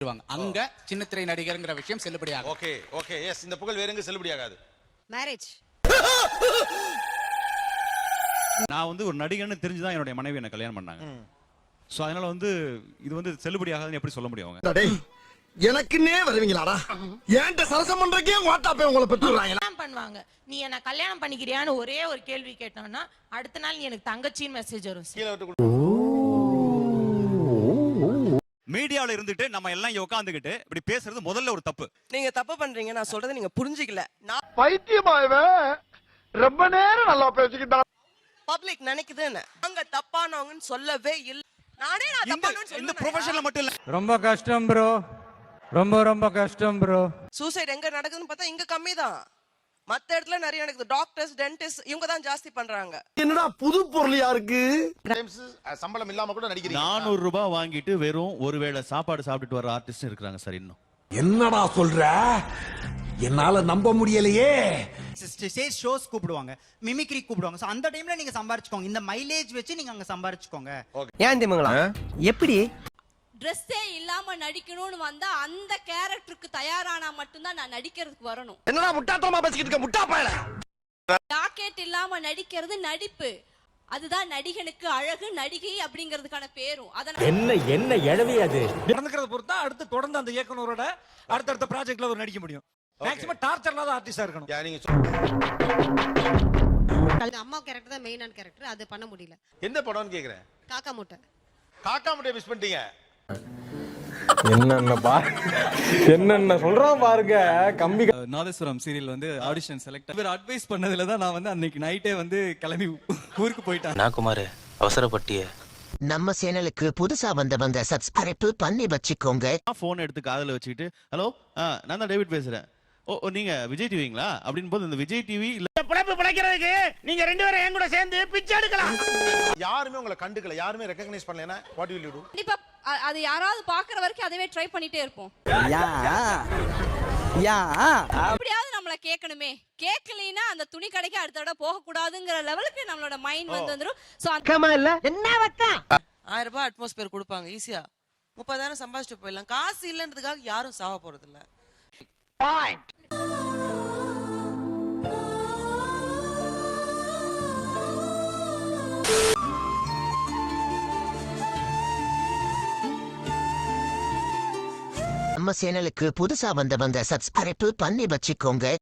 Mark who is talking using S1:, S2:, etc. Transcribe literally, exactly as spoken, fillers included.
S1: அங்க சின்ன திரை நடிகர்ங்கிற விஷயம் செல்லுபடியாகும்.
S2: ஓகே ஓகே எஸ், இந்த புகழ் வேற எங்க செல்லுபடியாகாது.
S3: மேரேஜ்.
S4: நான் வந்து ஒரு நடிகன்னு தெரிஞ்சுதான் என்னுடைய மனைவி என்ன கல்யாணம் பண்ணாங்க. சோ அதனால வந்து இது வந்து செல்லுபடியாகாதுன்னு எப்படி சொல்ல முடியும்?
S5: எனக்குன்னே வருவீங்களாடா? ஏன்ட்ட சரசம் பண்றக்கே வாட்டாப்பே உங்களை பெற்றுறாங்க.
S3: பண்ணுவாங்க. நீ என்ன கல்யாணம் பண்ணிக்கிறியான்னு ஒரே ஒரு கேள்வி கேட்டோம்னா அடுத்த நாள் நீ எனக்கு தங்கச்சின்னு மெசேஜ் வரும்.
S4: மீடியால இருந்துட்டு நம்ம எல்லாம் இங்க உட்கார்ந்துகிட்டு இப்படி பேசுறது முதல்ல ஒரு தப்பு.
S6: நீங்க தப்பு பண்றீங்க, நான் சொல்றதை நீங்க புரிஞ்சிக்கல. நான்
S5: பைத்தியமாயவே ரொம்ப நேரம் நல்லா பேசிக்கிட்டா.
S6: பப்ளிக் நினைக்குதுன்னு அங்க தப்பானவங்கன்னு சொல்லவே இல்ல. நானே நான் தப்பானவன்னு சொல்றேன்.
S4: இந்த ப்ரொஃபஷனல்ல மட்டும் இல்ல.
S7: ரொம்ப கஷ்டம் ப்ரோ, ரொம்ப ரொம்ப கஷ்டம் ப்ரோ.
S6: சூசைட் எங்க நடக்குதுன்னு பார்த்தா இங்க கம்மி தான். மத்த இடத்துல நிறைய நடக்குது. டாக்டர்ஸ், டென்டிஸ்ட் இவங்க தான் ஜாஸ்தி பண்றாங்க.
S5: என்னடா புது பொருளியா இருக்கு.
S2: சம்பளம் இல்லாம கூட நடிக்கிறீங்க.
S8: நானூறு ரூபாய் வாங்கிட்டு வெறும் ஒருவேளை சாப்பாடு சாப்பிட்டுட்டு வர ஆர்டிஸ்ட் இருக்காங்க சார். இன்னும்
S5: என்னடா சொல்ற? என்னால நம்ப முடியலையே.
S9: ஸ்டேஜ் ஷோஸ் கூப்பிடுவாங்க, மிமிக்ரி கூப்பிடுவாங்க. சோ அந்த டைம்ல நீங்க சம்பாரிச்சுக்கோங்க. இந்த மைலேஜ் வச்சு நீங்க அங்க சம்பாரிச்சுக்கோங்க.
S6: ஏன் திமுங்களா? எப்படி
S10: ட்ரெஸ்ஸே இல்லாம நடிக்கணும்னு வந்தா அந்த கேரக்டருக்கு தயாரானா மட்டும்தான் நான் நடிக்கிறதுக்கு வரணும்.
S5: என்னடா முட்டாத்தனமா பேசிக்கிட்டு இருக்க முட்டா பயல.
S10: ஜாக்கெட் இல்லாம நடிக்கிறது நடிப்பு. அதுதான் நடிகனுக்கு அழகு, நடிகை அப்படிங்கிறதுக்கான பேரும். அதனால
S7: என்ன என்ன எழவி அது
S11: நடந்துக்கிறத பொறுத்தா அடுத்து தொடர்ந்து அந்த இயக்குனரோட அடுத்தடுத்த ப்ராஜெக்ட்ல ஒரு நடிக்க முடியும். மேக்ஸிமம் டார்ச்சர் இல்லாத ஆர்டிஸ்டா இருக்கணும்.
S3: நீங்க அம்மா கேரக்டர் தான் மெயினான கேரக்டர். அது பண்ண முடியல.
S2: எந்த படம்னு கேக்குறேன்.
S3: காக்கா முட்டை.
S2: காக்கா முட்டையை மிஸ் பண்ணிட்டீங்க.
S7: என்னென்ன பா என்னென்ன சொல்றான் பாருங்க. கம்பி
S4: நாதஸ்வரம் சீரியல் வந்து ஆடிஷன் செலக்ட் இவர் அட்வைஸ் பண்ணதுல தான் நான் வந்து அன்னைக்கு நைட்டே வந்து கிளம்பி ஊருக்கு போயிட்டேன்.
S8: நான் குமார் அவசரப்பட்டிய
S12: நம்ம சேனலுக்கு புதுசா வந்தவங்க சப்ஸ்கிரைப் பண்ணி வச்சுக்கோங்க.
S8: போன் எடுத்து காதுல வச்சுக்கிட்டு ஹலோ நான் தான் டேவிட் பேசுறேன். ஓ நீங்க விஜய் டிவிங்களா அப்படின்னு போது இந்த விஜய் டிவி இல்ல
S11: பிழைப்பு பிழைக்கிறதுக்கு நீங்க ரெண்டு பேரும் என் கூட சேர்ந்து பிச்சை எடுக்கலாம்.
S2: யாருமே உங்களை கண்டுக்கல, யாருமே ரெகக்னைஸ் பண்ணலனா வாட் வில் யூ டு?
S10: கண்டிப்பா அது யாராவது பாக்குற வரைக்கும் அதுவே ட்ரை பண்ணிட்டே இருப்போம்.
S9: யா யா
S10: எப்படியாவது நம்மள கேட்கணுமே. கேட்கலைன்னா அந்த துணி கடைக்கு அடுத்த தடவை போக கூடாதுங்கிற லெவலுக்கு நம்மளோட மைண்ட் வந்து வந்துரும். சோ
S6: கமா இல்ல என்ன வக்கா ஆயிரம் ரூபாய் அட்மாஸ்பியர் கொடுப்பாங்க ஈஸியா. முப்பதாயிரம் சம்பாதிச்சுட்டு போயிடலாம். காசு இல்லன்றதுக்காக யாரும் சாவ போறது இல்ல. பாயிண்ட்.
S12: நம்ம சேனலுக்கு புதுசா வந்தவங்க சப்ஸ்கிரைப் பண்ணி வச்சுக்கோங்க.